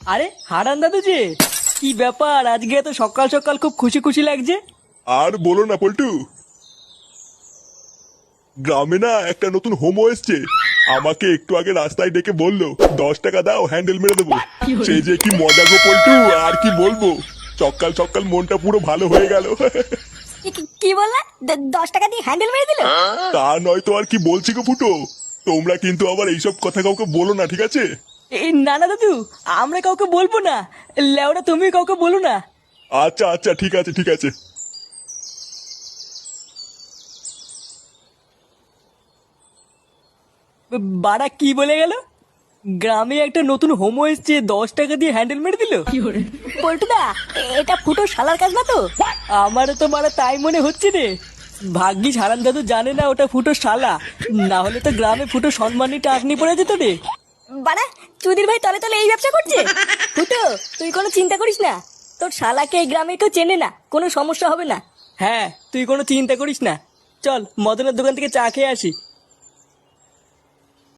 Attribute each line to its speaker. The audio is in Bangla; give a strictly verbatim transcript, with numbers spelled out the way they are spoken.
Speaker 1: আরে হারান দাদু যে, কি ব্যাপার আজকে এত সকাল সকাল খুব খুশি খুশি লাগছে?
Speaker 2: আর বলো না পল্টু, গ্রামে না একটা নতুন হোমো এসছে। আমাকে একটু আগে রাস্তায় ডেকে বললো দশ টাকা দাও হ্যান্ডেল মেরে দেবো। সেই যে কি মজা গো পল্টু, আর কি বলবো। সকাল সকাল মনটা পুরো ভালো হয়ে গেল।
Speaker 3: কি- কি- কি বললা? দ- দশ টাকা দিয়ে হ্যান্ডেল মেরে দিল?
Speaker 2: তা নয় তো আর কি বলছি গো ফুটো। তোমরা কিন্তু আবার এইসব কথা কাউকে বলো না, ঠিক আছে?
Speaker 1: এই না না দাদু, আমরা কাউকে বলবো না। লেওরা তুমি কাউকে বলো না।
Speaker 2: আচ্ছা আচ্ছা ঠিক আছে ঠিক আছে।
Speaker 1: বাড়া কি বলে গেল? গ্রামে একটা নতুন হোমো এসছে, দশ টাকা দিয়ে হ্যান্ডেল মেরে দিল?
Speaker 3: পল্টুদা, এটা ফুটো শালার কাজ না তো?
Speaker 1: আমারও তো মারা তাই মনে হচ্ছে রে। ভাগ্যিস হারান দাদু জানে না ওটা ফুটো শালা, না হলে তো গ্রামে ফুটো সম্মানী টাকনি পড়ে যেত রে।
Speaker 3: বাড়া, চুদির ভাই তলে তলে এই ব্যবসা করছে। ফুটো, তুই কোনো চিন্তা করিস না। তোর শালাকে এই গ্রামে কেউ চেনে না, কোনো সমস্যা হবে না।
Speaker 1: হ্যাঁ, তুই কোনো চিন্তা করিস না। চল মদনের দোকান থেকে চা খেয়ে আসি।